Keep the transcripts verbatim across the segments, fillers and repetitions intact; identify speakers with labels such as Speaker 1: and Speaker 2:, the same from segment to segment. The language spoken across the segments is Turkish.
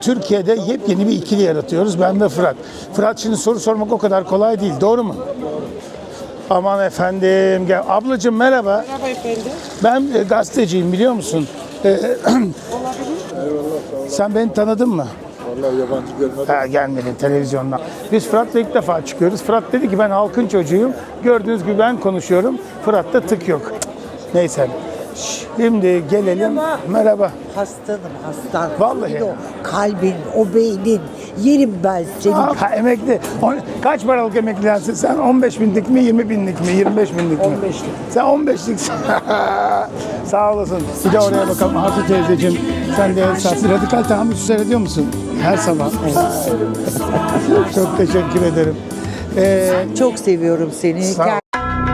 Speaker 1: Türkiye'de yepyeni bir ikili yaratıyoruz. Ben ve Fırat. Fırat, şimdi soru sormak o kadar kolay değil. Doğru mu? Aman efendim. Gel. Ablacığım merhaba.
Speaker 2: Merhaba efendim.
Speaker 1: Ben e, gazeteciyim, biliyor musun? E,
Speaker 2: Olabilir.
Speaker 1: sen beni tanıdın mı?
Speaker 3: Vallahi yabancı görmedim.
Speaker 1: Ha, gelmedin televizyondan. Biz Fırat'la ilk defa çıkıyoruz. Fırat dedi ki ben halkın çocuğuyum. Gördüğünüz gibi ben konuşuyorum. Fırat'ta tık yok. Neyse. Şimdi gelelim.
Speaker 2: Merhaba.
Speaker 1: Merhaba.
Speaker 4: Hastanım hastan.
Speaker 1: Vallahi.
Speaker 4: Senin o kalbin, o beynin. Yerim ben seni.
Speaker 1: Ha, emekli. On, kaç paralık emeklilersin sen? on beş binlik mi, yirmi binlik mi, yirmi beş binlik mi?
Speaker 4: on beşlik.
Speaker 1: Sen on beşliksin. Sağ olasın. Bir de oraya bakalım. Hatice teyzeciğim, sen de esas radikal tahammül seyrediyor musun? Her sabah. Çok teşekkür ederim. Ee,
Speaker 4: Çok seviyorum seni.
Speaker 1: Sağ ol.
Speaker 4: Gel.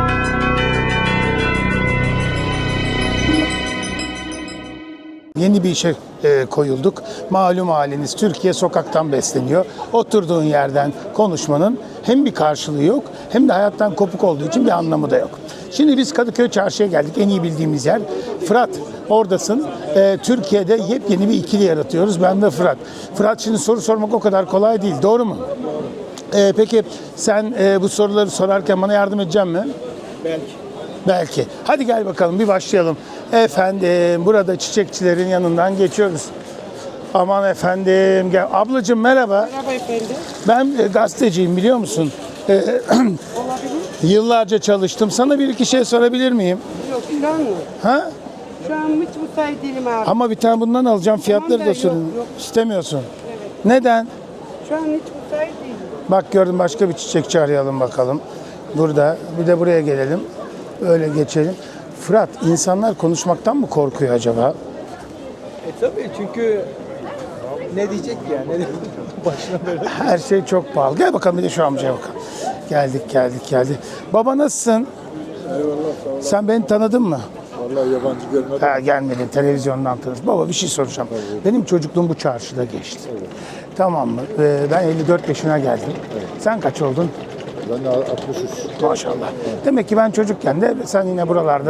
Speaker 1: Yeni bir işe e, koyulduk. Malum haliniz, Türkiye sokaktan besleniyor. Oturduğun yerden konuşmanın hem bir karşılığı yok, hem de hayattan kopuk olduğu için bir anlamı da yok. Şimdi biz Kadıköy Çarşı'ya geldik, en iyi bildiğimiz yer. Fırat, oradasın. E, Türkiye'de yepyeni bir ikili yaratıyoruz, ben ve Fırat. Fırat, şimdi soru sormak o kadar kolay değil, doğru mu? E, peki sen e, bu soruları sorarken bana yardım edecek misin?
Speaker 3: Belki.
Speaker 1: Belki. Hadi gel bakalım, bir başlayalım. Efendim, burada çiçekçilerin yanından geçiyoruz. Aman efendim. Gel. Ablacığım merhaba.
Speaker 2: Merhaba efendim.
Speaker 1: Ben e, gazeteciyim, biliyor musun? E,
Speaker 2: Olabilir.
Speaker 1: yıllarca çalıştım. Sana bir iki şey sorabilir miyim?
Speaker 2: Yok şu an mı?
Speaker 1: Ha?
Speaker 2: Şu an hiç müsait değilim abi.
Speaker 1: Ama bir tane bundan alacağım. Fiyatları
Speaker 2: Tamam da
Speaker 1: da sorun.
Speaker 2: yok, yok.
Speaker 1: İstemiyorsun.
Speaker 2: Evet.
Speaker 1: Neden?
Speaker 2: Şu an hiç müsait değilim.
Speaker 1: Bak gördüm, başka bir çiçekçi arayalım bakalım. Burada. Bir de buraya gelelim. Öyle geçelim. Fırat, insanlar konuşmaktan mı korkuyor acaba?
Speaker 3: E tabii, çünkü ne diyecek ya? Ne diyecek? Başına böyle.
Speaker 1: Her şey çok pahalı. Gel bakalım, bir de şu amcaya bakalım. Geldik, geldik, geldik. Baba nasılsın?
Speaker 3: Eyvallah, sağ ol.
Speaker 1: Sen beni tanıdın mı?
Speaker 3: Vallahi yabancı görmedim.
Speaker 1: Ha, gelmedin, televizyondan tanıdın. Baba, bir şey soracağım. Benim çocukluğum bu çarşıda geçti. Tamam mı? Ee, ben elli dört yaşına geldim. Sen kaç oldun?
Speaker 3: Ben de altmış üç.
Speaker 1: Maşallah. Demek ki ben çocukken de sen yine buralarda.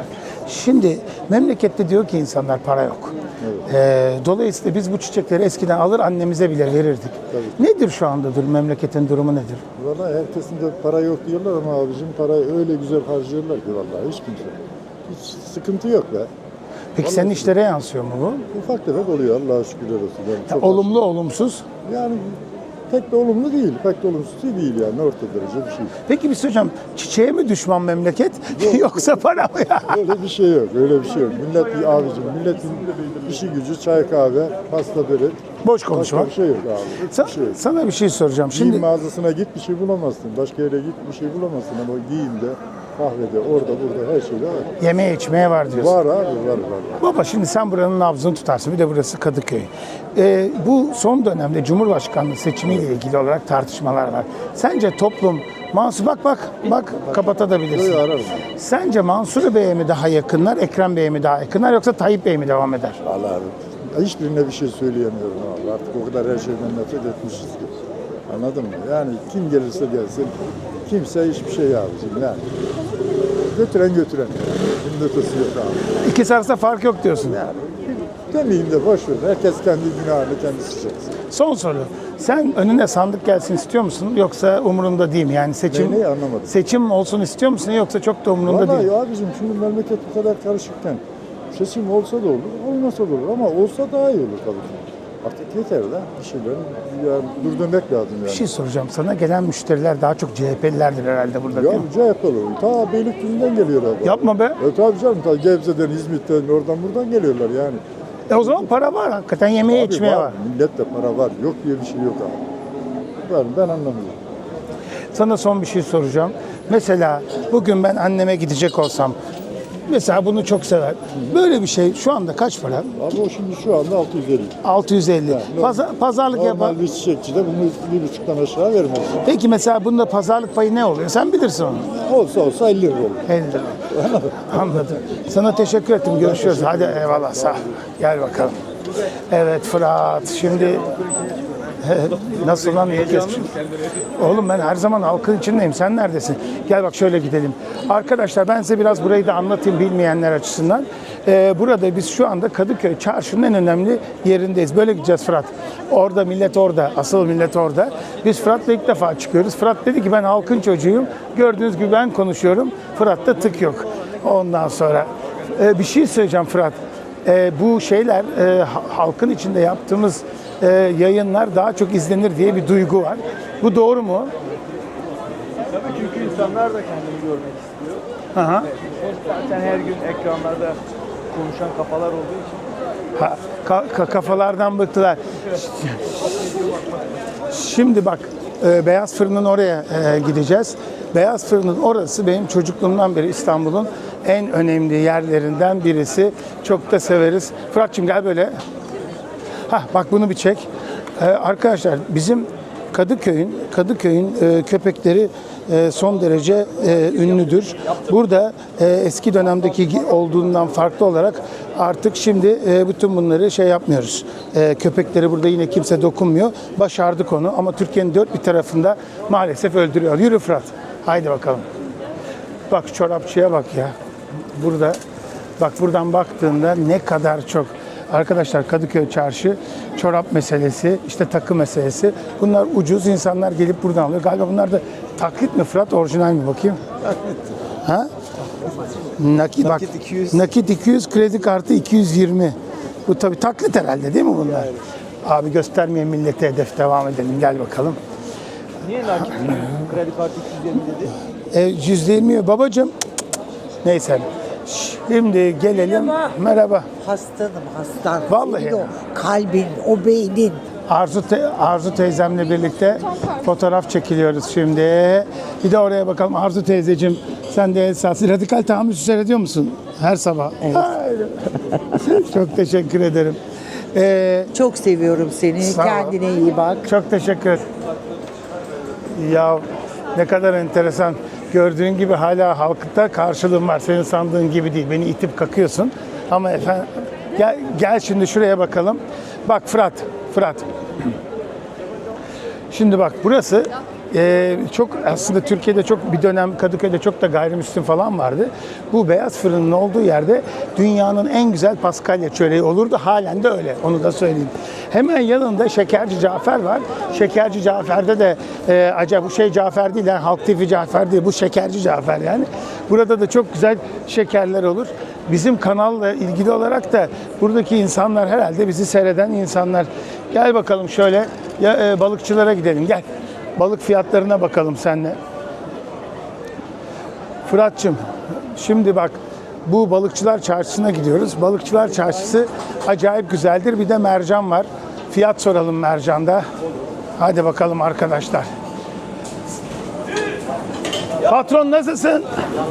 Speaker 1: Şimdi memlekette diyor ki insanlar para yok. Ee, dolayısıyla biz bu çiçekleri eskiden alır annemize bile verirdik. Nedir şu anda dur memleketin durumu nedir?
Speaker 3: Vallahi herkesin de para yok diyorlar ama abicim parayı öyle güzel harcıyorlar ki vallahi hiç kimse. Hiç sıkıntı yok be.
Speaker 1: Peki senin işlere yansıyor mu bu?
Speaker 3: Ufak tefek oluyor Allah'a şükürler olsun. Yani
Speaker 1: Ya,
Speaker 3: çok
Speaker 1: olumlu olumsuz.
Speaker 3: az. Yani pek de olumlu değil, pek de olumsuz değil yani orta derece bir şey.
Speaker 1: Peki bir şey hocam, çiçeğe mi düşman memleket yoksa para mı ya?
Speaker 3: Öyle bir şey yok, öyle bir şey yok. Millet abicim, milletin işi gücü çay kahve, pasta börek.
Speaker 1: Boş konuşma.
Speaker 3: Başka bir şey yok abi.
Speaker 1: Sa-
Speaker 3: Hiçbir şey yok.
Speaker 1: Sana bir şey soracağım.
Speaker 3: Giyim
Speaker 1: Şimdi
Speaker 3: mağazasına git bir şey bulamazsın. Başka yere git bir şey bulamazsın ama giyimde, kahvede, orada burada her şeyde var.
Speaker 1: yemeğe içmeye var diyorsun.
Speaker 3: Var abi, var var. var.
Speaker 1: Baba, şimdi sen buranın nabzını tutarsın. Bir de burası Kadıköy. Ee, bu son dönemde Cumhurbaşkanlığı seçimiyle ilgili olarak tartışmalar var. Sence toplum Mansur, bak bak bak kapatabilirsin.
Speaker 3: Böyle ararım.
Speaker 1: Sence Mansur Bey'e mi daha yakınlar, Ekrem Bey'e mi daha yakınlar, yoksa Tayyip Bey mi devam eder?
Speaker 3: Allah abi. Hiçbirine bir şey söyleyemiyorum abi. Artık o kadar her şeyden nefret etmişiz ki. Anladın mı? Yani kim gelirse gelsin, kimse hiçbir şey abicim yani. Götüren götüren. Bunun ötesi yok abi.
Speaker 1: İkisi arasında fark yok diyorsun.
Speaker 3: Yani demeyeyim de boş ver. Herkes kendi günahını kendisi çeksin.
Speaker 1: Son soru. Sen önüne sandık gelsin istiyor musun, yoksa umurunda değil mi? Yani seçim
Speaker 3: Ne, neyi anlamadım.
Speaker 1: seçim olsun istiyor musun, yoksa çok da umurunda
Speaker 3: Vallahi
Speaker 1: değil?
Speaker 3: abicim şimdi memleket bu kadar karışıkken seçim olsa da olur, olmasa da olur ama olsa daha iyi olur tabii ki. Artık yeter de bir şeyler yani durdurmak lazım yani.
Speaker 1: Bir şey soracağım. Sana gelen müşteriler daha çok C H P'lilerdir herhalde burada, değil mi?
Speaker 3: Ya C H P'li olur. Ta Beylikdüzü'nden geliyorlar.
Speaker 1: Yapma be.
Speaker 3: Evet tabii canım. Ta Gebze'den, İzmit'ten, oradan buradan geliyorlar yani.
Speaker 1: E o zaman para var. Hakikaten yemeye
Speaker 3: Abi
Speaker 1: içmeye var.
Speaker 3: Millette para var. Yok diye bir şey yok abi. Var, ben anlamıyorum.
Speaker 1: Sana son bir şey soracağım. Mesela bugün ben anneme gidecek olsam, mesela bunu çok sever. Böyle bir şey şu anda kaç para?
Speaker 3: Abi o şimdi şu anda altı yüz elli.
Speaker 1: altı yüz elli.
Speaker 3: Yani
Speaker 1: Paza- pazarlık yapar.
Speaker 3: Normal bir çiçekçi de bunu bir buçuktan aşağı vermez.
Speaker 1: Peki mesela bunda pazarlık payı ne oluyor? Sen bilirsin onu.
Speaker 3: Olsa olsa elli lira olur.
Speaker 1: elli lira. Anladım. Sana teşekkür ettim. Görüşürüz. Hadi eyvallah, sağ ol. Gel bakalım. Evet Fırat. Şimdi Nasıl lan ilk kez? Oğlum ben her zaman halkın içindeyim. Sen neredesin? Gel bak şöyle gidelim. Arkadaşlar ben size biraz burayı da anlatayım bilmeyenler açısından. Ee, burada biz şu anda Kadıköy Çarşı'nın en önemli yerindeyiz. Böyle gideceğiz Fırat. Orada millet orada. Asıl millet orada. Biz Fırat'la ilk defa çıkıyoruz. Fırat dedi ki ben halkın çocuğuyum. Gördüğünüz gibi ben konuşuyorum. Fırat'ta tık yok. Ondan sonra e, bir şey söyleyeceğim Fırat. E, bu şeyler e, halkın içinde yaptığımız e, yayınlar daha çok izlenir diye bir duygu var. Bu doğru mu?
Speaker 5: Tabii çünkü insanlar da kendini görmek istiyor.
Speaker 1: Aha.
Speaker 5: Zaten her gün ekranlarda konuşan kafalar olduğu için.
Speaker 1: Ha, ka- ka- kafalardan bıktılar. Şimdi bak e, Beyaz Fırın'ın oraya e, gideceğiz. Beyaz Fırın'ın orası benim çocukluğumdan beri İstanbul'un en önemli yerlerinden birisi. Çok da severiz. Fırat'cığım gel böyle. Hah bak bunu bir çek. Ee, arkadaşlar bizim Kadıköy'ün Kadıköy'ün e, köpekleri e, son derece e, ünlüdür. Burada e, eski dönemdeki gi- olduğundan farklı olarak artık şimdi e, bütün bunları şey yapmıyoruz. E, köpekleri burada yine kimse dokunmuyor. Başardık onu ama Türkiye'nin dört bir tarafında maalesef öldürüyor. Yürü Fırat. Haydi bakalım. Bak çorapçıya bak ya. Burada bak buradan baktığında ne kadar çok. Arkadaşlar Kadıköy Çarşı, çorap meselesi, işte takı meselesi. Bunlar ucuz, insanlar gelip buradan alıyor. Galiba bunlar da taklit mi Fırat, orijinal mi bakayım? Taklit. Ha? Nakit, bak,
Speaker 5: Nakit iki yüz.
Speaker 1: nakit iki yüz, kredi kartı iki yüz yirmi. Bu tabii taklit herhalde değil mi bunlar? Abi göstermeyen millete hedef, devam edelim. Gel bakalım.
Speaker 5: Niye nakit kredi kartı iki yüz yirmi dedi?
Speaker 1: E, yüzde yirmi babacığım. Neyse. Şimdi gelelim. Merhaba.
Speaker 4: Hastanım hastan.
Speaker 1: Vallahi.
Speaker 4: Senin o kalbin, o beynin.
Speaker 1: Arzu, te- Arzu teyzemle birlikte fotoğraf çekiliyoruz şimdi. Bir de oraya bakalım. Arzu teyzeciğim sen de esas radikal tahammül seyrediyor musun? Her sabah. Evet. Çok teşekkür ederim. Ee,
Speaker 4: Çok seviyorum seni.
Speaker 1: Sağ ol.
Speaker 4: Kendine iyi bak.
Speaker 1: çok teşekkür ederim. Ya ne kadar enteresan. Gördüğün gibi hala halkta karşılığım var. Senin sandığın gibi değil. Beni itip kakıyorsun. Ama efendim gel, gel şimdi şuraya bakalım. Bak Fırat, Fırat. Şimdi bak burası e, çok aslında Türkiye'de çok bir dönem Kadıköy'de çok da gayrimüslim falan vardı. Bu Beyaz Fırın'ın olduğu yerde dünyanın en güzel paskalya çöreği olurdu. Halen de öyle. Onu da söyleyeyim. Hemen yanında Şekerci Cafer var. Şekerci Cafer'de de e, acaba bu şey Cafer değil yani Halk T V Cafer değil. Bu Şekerci Cafer yani. Burada da çok güzel şekerler olur. Bizim kanalla ilgili olarak da buradaki insanlar herhalde bizi seyreden insanlar. Gel bakalım şöyle ya, e, balıkçılara gidelim gel. Balık fiyatlarına bakalım seninle. Fırat'cığım şimdi bak bu balıkçılar çarşısına gidiyoruz. Balıkçılar çarşısı acayip güzeldir. Bir de mercan var. Fiyat soralım mercanda. Hadi bakalım arkadaşlar. Patron nasılsın?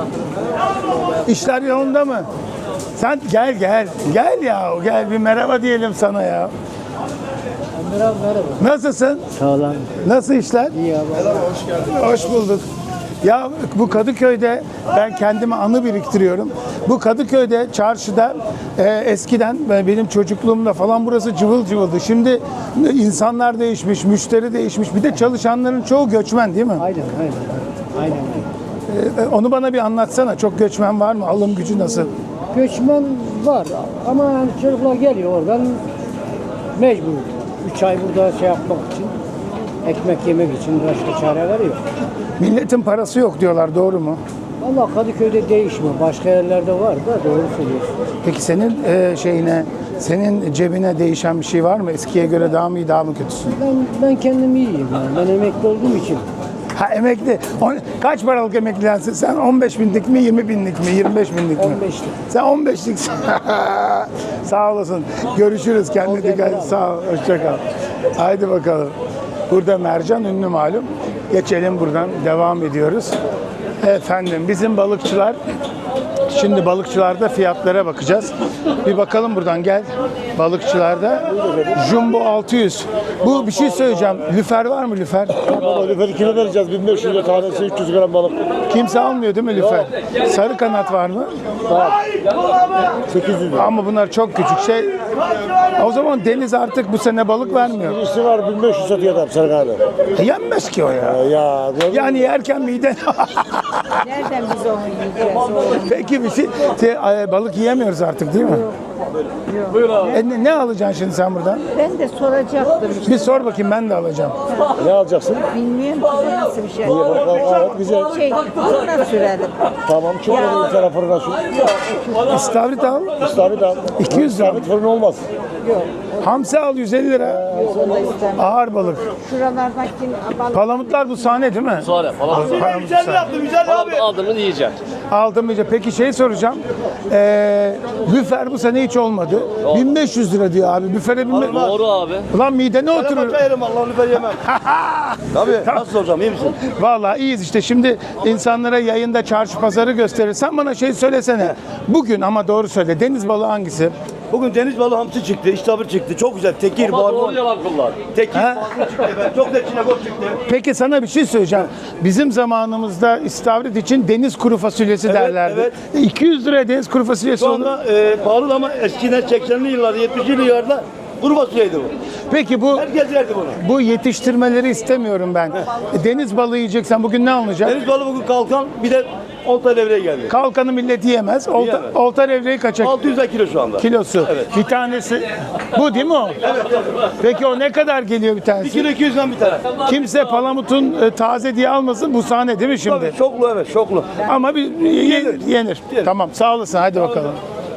Speaker 1: İşler yolunda mı? Sen gel gel. Gel ya. Gel bir merhaba diyelim sana ya.
Speaker 5: Merhaba merhaba.
Speaker 1: Nasılsın?
Speaker 5: Sağ olun.
Speaker 1: Nasıl işler?
Speaker 5: İyi abi.
Speaker 3: Hoş geldin.
Speaker 1: Hoş bulduk. Ya bu Kadıköy'de ben kendime anı biriktiriyorum. Bu Kadıköy'de çarşıda e, eskiden ben- benim çocukluğumda falan burası cıvıl cıvıldı. Şimdi insanlar değişmiş, müşteri değişmiş. Bir de çalışanların çoğu göçmen değil mi?
Speaker 5: Aynen aynen. Aynen.
Speaker 1: E, onu bana bir anlatsana. Çok göçmen var mı? Alım gücü nasıl?
Speaker 6: Göçmen var ama yani çocuklar geliyor oradan mecbur. Üç ay burada şey yapmak için, ekmek yemek için başka çareleri yok.
Speaker 1: Milletin parası yok diyorlar. Doğru mu?
Speaker 6: Vallahi Kadıköy'de değişmiyor. Başka yerlerde var da doğru söylüyorsun.
Speaker 1: Peki senin e, şeyine, senin cebine değişen bir şey var mı? Eskiye göre daha mı iyi, daha mı kötüsün?
Speaker 6: Ben ben kendim iyiyim yani. Ben emekli olduğum için.
Speaker 1: Ha emekli. On- kaç paralık emeklilensin sen? on beş binlik mi, yirmi binlik mi, yirmi beş binlik mi?
Speaker 6: on beşlik.
Speaker 1: Sen on beşliksin. Sağ olasın. Görüşürüz. Kendine dikkat et. Sağ ol. Hoşça kal. Haydi bakalım. Burada mercan ünlü malum. Geçelim buradan. Devam ediyoruz. Efendim bizim balıkçılar. Şimdi balıkçılarda fiyatlara bakacağız. Bir bakalım buradan gel. balıkçılarda. Jumbo altı yüz. Bu bir şey söyleyeceğim. Lüfer var mı lüfer?
Speaker 7: Baba lüferi kilo vereceğiz. bin beş yüz lira tanesi üç yüz gram balık.
Speaker 1: Kimse almıyor değil mi lüfer? Sarı kanat var mı?
Speaker 7: sekiz yüz lira.
Speaker 1: Ama bunlar çok küçük şey. O zaman deniz artık bu sene balık vermiyor.
Speaker 7: Birisi var bin beş yüz satıyor adam sarı kanat.
Speaker 1: E, yenmez ki o ya.
Speaker 7: Ya gördün mü?
Speaker 1: Yani yerken miden...
Speaker 4: Nereden biz onu yiyeceğiz?
Speaker 1: Peki bir şey, şey, ay, balık yiyemiyoruz artık değil mi? E, ne, ne alacaksın şimdi sen buradan?
Speaker 4: Ben de soracaktım işte.
Speaker 1: Bir sor bakayım, ben de alacağım.
Speaker 7: Ne alacaksın?
Speaker 4: Bilmiyorum ki bu nasıl bir şey.
Speaker 7: İyi bakalım. Evet güzel.
Speaker 4: Şey, fırına sürelim.
Speaker 7: Tamam çok önemli bir tane fırına sür.
Speaker 1: İstavrit al.
Speaker 7: İstavrit al.
Speaker 1: iki yüz lira.
Speaker 7: İstavrit fırın olmaz.
Speaker 1: Hamsi al yüz elli lira.
Speaker 4: Onu da istemem.
Speaker 1: Ağır balık.
Speaker 4: Şuralardaki balık.
Speaker 1: Palamutlar bu sahne değil mi?
Speaker 8: Sonra falan.
Speaker 1: Palamut sahne.
Speaker 8: Aldın mı yiyeceksin.
Speaker 1: Aldım iyice. Peki şey soracağım. Ee, lüfer bu sene hiç olmadı. bin beş yüz lira diyor abi. Lüfere bin beş yüz.
Speaker 8: Doğru abi.
Speaker 1: Ulan midene oturur.
Speaker 5: Yerim Allah'ını lüfer yemem. Tabii. Nasıl soracağım iyi misin?
Speaker 1: Vallahi iyiyiz işte. Şimdi insanlara yayında çarşı pazarı gösterirsen bana şey söylesene. Bugün ama doğru söyle. Deniz balığı hangisi?
Speaker 5: Bugün deniz balığı hamsi çıktı, iştahır çıktı. Çok güzel. Tekir,
Speaker 8: Ama doğru
Speaker 5: barbun.
Speaker 8: yalan kullan.
Speaker 5: Tekir,
Speaker 1: Ha?
Speaker 5: barbun çıktı efendim. Çok da çinekop çıktı.
Speaker 1: Peki sana bir şey söyleyeceğim. Bizim zamanımızda istavrit için deniz kuru fasulyesi
Speaker 5: Evet,
Speaker 1: derlerdi.
Speaker 5: evet.
Speaker 1: iki yüz liraya deniz kuru fasulyesi
Speaker 5: Şu
Speaker 1: olur.
Speaker 5: anda e, pahalı ama eskiden seksenli yıllarda, yetmişli yıllarda kuru fasulyeydi bu.
Speaker 1: Peki bu
Speaker 5: Herkes yerdi bunu.
Speaker 1: bu yetiştirmeleri istemiyorum ben. Deniz balığı yiyeceksen bugün ne alınacak?
Speaker 5: Deniz balığı bugün kalkan bir de olta levreye geldi.
Speaker 1: Kalkanı millet yiyemez. Olta,
Speaker 5: Yiyemez.
Speaker 1: olta levreği kaçak
Speaker 5: altı yüz kilo şu anda.
Speaker 1: kilosu.
Speaker 5: Evet.
Speaker 1: Bir tanesi bu değil mi o? Peki o ne kadar geliyor bir
Speaker 5: bir
Speaker 1: tanesi?
Speaker 5: kilo iki yüzden bir tane.
Speaker 1: Kimse palamutun e, taze diye almasın. Bu sahne değil mi şimdi?
Speaker 5: Tabii şoklu evet şoklu.
Speaker 1: Ama bir yenir. yenir.
Speaker 5: Yenir.
Speaker 1: Tamam sağ olasın. Hadi bakalım.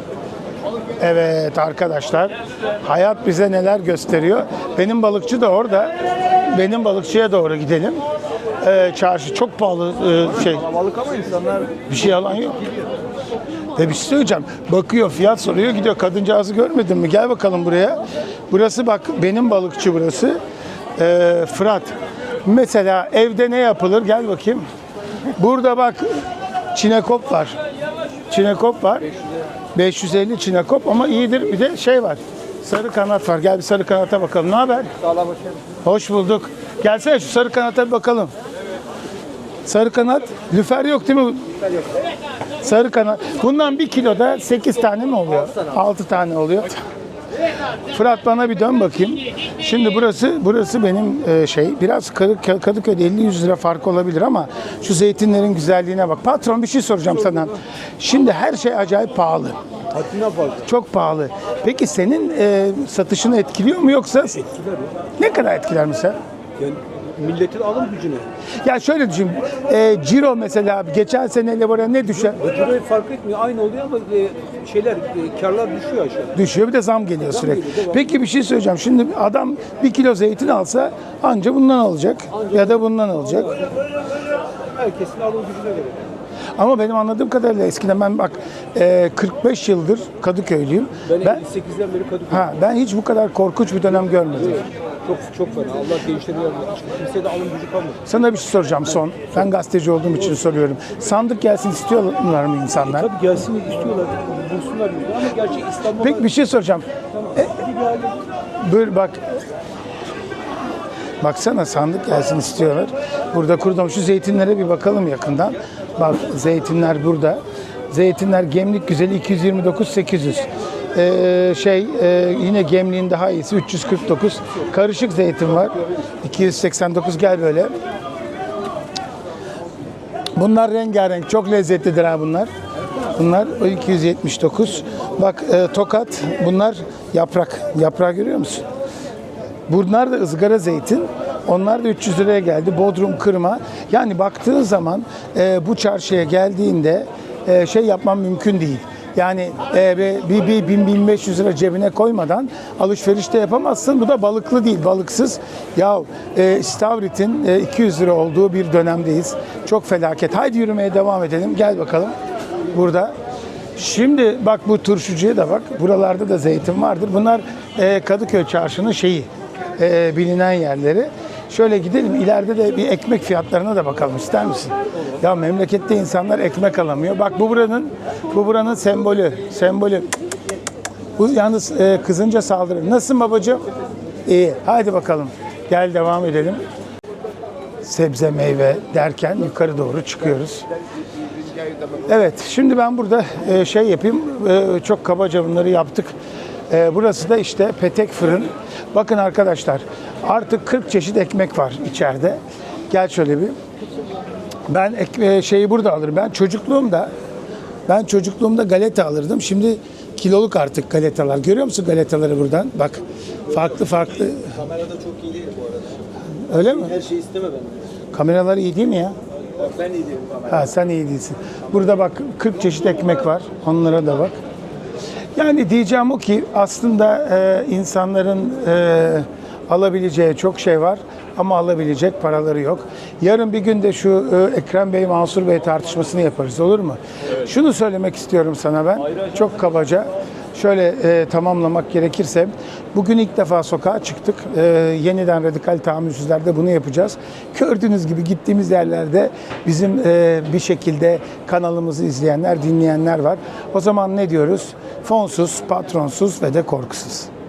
Speaker 1: Evet arkadaşlar. Hayat bize neler gösteriyor. Benim balıkçı da orada. Benim balıkçıya doğru gidelim. Ee, çarşı çok pahalı e, şey.
Speaker 5: Balık ama insanlar
Speaker 1: Bir şey alan yok. Ve bir şey söyleyeceğim. Bakıyor, fiyat soruyor, gidiyor. Kadıncağızı görmedin mi? Gel bakalım buraya. Burası bak, benim balıkçı burası. Ee, Fırat. Mesela evde ne yapılır? Gel bakayım. Burada bak, çinekop var. Çinekop var. beş yüz elli çinekop ama iyidir. Bir de şey var. Sarı kanat var. Gel bir sarı kanata bakalım. Ne haber? Hoş bulduk. Gelsene şu sarı kanata bir bakalım. Sarı kanat. Lüfer yok değil mi? Sarı kanat. Bundan bir kiloda sekiz tane mi oluyor? altı tane oluyor. Fırat bana bir dön bakayım. Şimdi burası burası benim e, şey biraz Kadıköy- Kadıköy'de elli yüz lira fark olabilir ama şu zeytinlerin güzelliğine bak. Patron bir şey soracağım sana. Şimdi her şey acayip pahalı. Çok pahalı. Peki senin e, satışını etkiliyor mu yoksa? Ne kadar etkiler mesela?
Speaker 9: Yani milletin alım gücüne.
Speaker 1: Ya şöyle düşün. E, ciro mesela geçen seneyle buraya ne düşer?
Speaker 9: Ciroyu fark etmiyor. Aynı oluyor ama e, şeyler, e, karlar düşüyor aşağı.
Speaker 1: Düşüyor, bir de zam geliyor sürekli.
Speaker 9: geliyor, devam.
Speaker 1: Peki bir şey söyleyeceğim. Şimdi adam bir kilo zeytin alsa anca bundan alacak ya da bundan alacak.
Speaker 9: Herkesin alım gücüne göre.
Speaker 1: Ama benim anladığım kadarıyla eskiden ben bak e, kırk beş yıldır Kadıköylüyüm.
Speaker 9: Ben,
Speaker 1: Ben
Speaker 9: elli sekizden beri Kadıköy.
Speaker 1: ha ben hiç bu kadar korkunç bir dönem görmedim.
Speaker 9: Çok çok fena. Allah gençleri yardım etsin. Kimseye de alım gücü kalmadı.
Speaker 1: Sana bir şey soracağım son. Ben gazeteci olduğum için soruyorum. Sandık gelsin istiyorlar mı insanlar?
Speaker 9: Tabii gelsin istiyorlar. Bulsunlar bizi. Ama gerçi İstanbul'da...
Speaker 1: Peki bir şey soracağım. E, böyle bak. Baksana sandık gelsin istiyorlar. Burada kurdum. Şu zeytinlere bir bakalım yakından. Bak zeytinler burada. Zeytinler Gemlik güzeli iki yüz yirmi dokuz sekiz yüz. Ee, şey e, yine Gemlik'in daha iyisi üç yüz kırk dokuz. Karışık zeytin var. iki yüz seksen dokuz gel böyle. Bunlar rengarenk. Çok lezzetlidir ha bunlar. Bunlar iki yüz yetmiş dokuz. Bak e, Tokat. Bunlar yaprak. Yaprağı görüyor musun? Bunlar da ızgara zeytin. Onlar da üç yüz liraya geldi. Bodrum kırma. Yani baktığın zaman e, bu çarşıya geldiğinde e, şey yapman mümkün değil. Yani e, bir, bir bin bin beş yüz lira cebine koymadan alışveriş de yapamazsın. Bu da balıklı değil, balıksız. Ya e, istavritin e, iki yüz lira olduğu bir dönemdeyiz. Çok felaket. Haydi yürümeye devam edelim. Gel bakalım. Burada. Şimdi bak bu turşucuya da bak. Buralarda da zeytin vardır. Bunlar e, Kadıköy çarşının şeyi. E, bilinen yerleri. Şöyle gidelim, ileride de bir ekmek fiyatlarına da bakalım, ister misin? Ya memlekette insanlar ekmek alamıyor. Bak bu buranın bu buranın sembolü. Sembolü. Bu yalnız e, kızınca saldırır. Nasılsın babacığım? İyi. Hadi bakalım. Gel devam edelim. Sebze, meyve derken yukarı doğru çıkıyoruz. Evet, şimdi ben burada e, şey yapayım. E, çok kabaca bunları yaptık. E, burası da işte petek fırın. Bakın arkadaşlar, artık kırk çeşit ekmek var içeride. Gel şöyle bir. Ben ek, şeyi burada alırım. Ben çocukluğumda ben çocukluğumda galeta alırdım. Şimdi kiloluk artık galetalar. Görüyor musun galetaları buradan? Bak, farklı farklı.
Speaker 5: Kamerada çok iyi değil bu arada.
Speaker 1: Öyle mi?
Speaker 5: Her şeyi isteme ben.
Speaker 1: Kameralar iyi değil mi ya?
Speaker 5: Ben iyi değilim kamerada.
Speaker 1: Ha, sen iyi değilsin. Burada bak kırk çeşit ekmek var. Onlara da bak. Yani diyeceğim o ki aslında e, insanların e, alabileceği çok şey var ama alabilecek paraları yok. Yarın bir gün de şu e, Ekrem Bey, Mansur Bey tartışmasını yaparız, olur mu? Şunu söylemek istiyorum sana ben, çok kabaca. Şöyle e, tamamlamak gerekirse, bugün ilk defa sokağa çıktık. E, yeniden radikal tahammülsüzlerde bunu yapacağız. Gördüğünüz gibi gittiğimiz yerlerde bizim e, bir şekilde kanalımızı izleyenler, dinleyenler var. O zaman ne diyoruz? Fonsuz, patronsuz ve de korkusuz.